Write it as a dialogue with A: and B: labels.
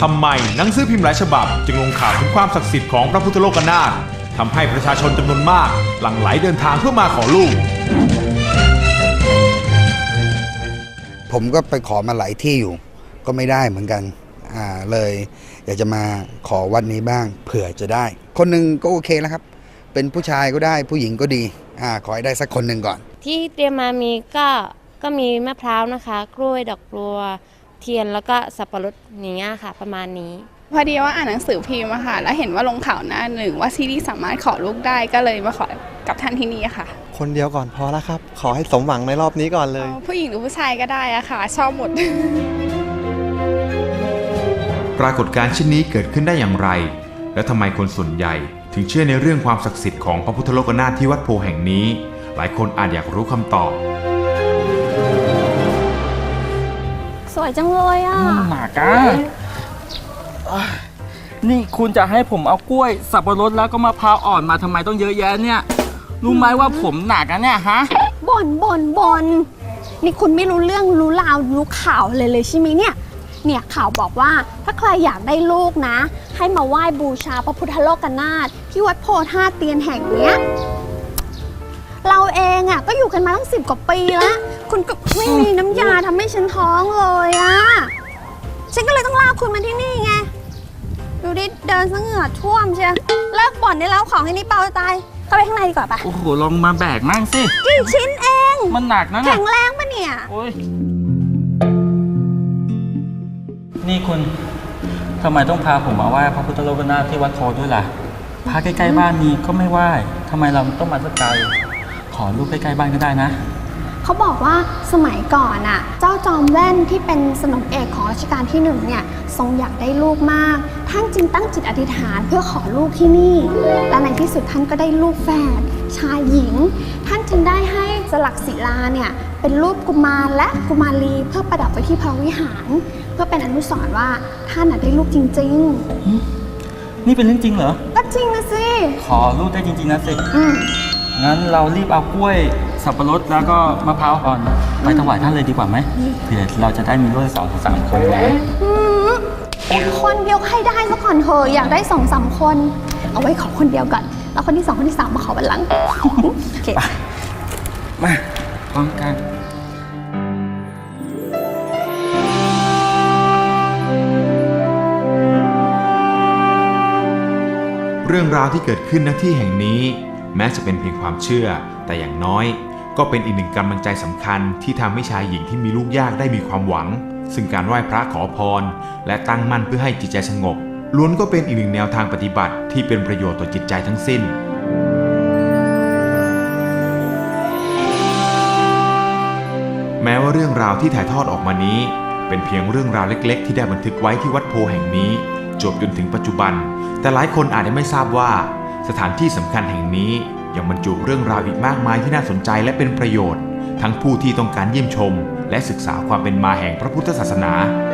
A: ทำไมหนังสือพิมพ์หลายฉบับจึงลงข่าวถึงความศักดิ์สิทธิ์ของพระพุทธโลกนาถทำให้ประชาชนจำนวนมากหลั่งไหลเดินทางเพื่อมาขอลูก
B: ผมก็ไปขอมาหลายที่อยู่ก็ไม่ได้เหมือนกันเลยอยากจะมาขอวัดนี้บ้างเผื่อจะได้คนหนึ่งก็โอเคแล้วครับเป็นผู้ชายก็ได้ผู้หญิงก็ดีขอให้ได้สักคนหนึ่งก่อน
C: ที่เตรียมมามีก็มีมะพร้าวนะคะกล้วยดอกบัวเทียนแล้วก็สับปะรดอย่างเงี้ยค่ะประมาณนี้
D: พอดีว่าอ่านหนังสือพิมพ์ค่ะแล้วเห็นว่าลงข่าวหน้าหนึ่งว่าซีรีส์สามารถขอลูกได้ก็เลยมาขอกับท่านที่นี่ค่ะ
E: คนเดียวก่อนพอแล้วครับขอให้สมหวังในรอบนี้ก่อนเลย
D: ผู้หญิงหรือผู้ชายก็ได้อะค่ะชอบหมด
A: ปรากฏการณ์เช่นนี้เกิดขึ้นได้อย่างไรและทำไมคนส่วนใหญ่ถึงเชื่อในเรื่องความศักดิ์สิทธิ์ของพระพุทธโลกนาถที่วัดโพแห่งนี้หลายคนอาจอยากรู้คำตอบ
C: สวยจังเลยอ่ะ
F: หนักอ่ะนี่คุณจะให้ผมเอากล้วยสับปะรดแล้วก็มะพร้าวอ่อนมาทำไมต้องเยอะแยะเนี่ยรู้ไหมว่าผมหนักอ่ะเนี่ยฮะ
G: บ่นนี่คุณไม่รู้เรื่องรู้ราวรู้ข่าวเลยใช่ไหมเนี่ยข่าวบอกว่าถ้าใครอยากได้ลูกนะให้มาไหว้บูชาพระพุทธโลกนาถที่วัดโพธาตุเตียนแห่งเนี้ยเราเองอ่ะก็อยู่กันมาตั้ง10 กว่าปีแล้วคุณก็ไม่มีน้ำยาทำให้ฉันท้องเลยอ่ะฉันก็เลยต้องลากคุณมาที่นี่ไงดูดิเดินซะเหงื่อท่วมเชียวเลิกบ่นได้แล้วของให้นี่เปล่าตายเข้าไปข้างในดีกว่าปะ
F: โอ้โหลองมาแบกมั่งสิ
G: กี่ชิ้นเอง
F: มันหนักนะ
G: แข็งแรงปะเนี่ย
F: โอ้ยนี่คุณทำไมต้องพาผมมาไหว้พระพุทธโลกนาถที่วัดโพด้วยล่ะพาใกล้ๆบ้านนี้ก็ไม่ไหว้ทำไมเราต้องมาสักไกลขอลูกใกล้ๆบ้านก็ได้นะ
G: เขาบอกว่าสมัยก่อนอ่ะเจ้าจอมแว่นที่เป็นสนมเอกของรัชกาลที่1เนี่ยทรงอยากได้ลูกมากท่านจึงตั้งจิตอธิษฐานเพื่อขอลูกที่นี่และในที่สุดท่านก็ได้ลูกแฝดชายหญิงท่านจึงได้ให้สลักศิลาเนี่ยเป็นรูปกุมารและกุมารีเพื่อประดับไว้ที่พระวิหารเพื่อเป็นอนุสรณ์ว่าท่านได้ลูกจริง
F: ๆนี่เป็นเรื่องจริงเหรอ
G: ก็จริงนะสิ
F: ขอลูกได้จริงๆนะสิงั้นเรารีบเอากล้วยสับปะรดแล้วก็มะพร้าวอ่อนไปถวายท่านเลยดีกว่าไหมเผื่อเราจะได้มีลูก2-3 คนนะ
G: คนเดียวให้ได้ซะก่อนเถอะอยากได้2-3 คนเอาไว้ขอคนเดียวก่อนแล้วคนที่2คนที่3มาขอวันหลังโอเค
F: มาพร้อมกัน
A: เรื่องราวที่เกิดขึ้นณที่แห่งนี้แม้จะเป็นเพียงความเชื่อแต่อย่างน้อยก็เป็นอีกหนึ่งกำลังใจสำคัญที่ทำให้ชายหญิงที่มีลูกยากได้มีความหวังซึ่งการไหว้พระขอพรและตั้งมั่นเพื่อให้จิตใจสงบล้วนก็เป็นอีกหนึ่งแนวทางปฏิบัติที่เป็นประโยชน์ต่อจิตใจทั้งสิ้นแม้ว่าเรื่องราวที่ถ่ายทอดออกมานี้เป็นเพียงเรื่องราวเล็กๆที่ได้บันทึกไว้ที่วัดโพแห่งนี้จบจนถึงปัจจุบันแต่หลายคนอาจจะไม่ทราบว่าสถานที่สำคัญแห่งนี้ยังบรรจุเรื่องราวอีกมากมายที่น่าสนใจและเป็นประโยชน์ทั้งผู้ที่ต้องการเยี่ยมชมและศึกษาความเป็นมาแห่งพระพุทธศาสนา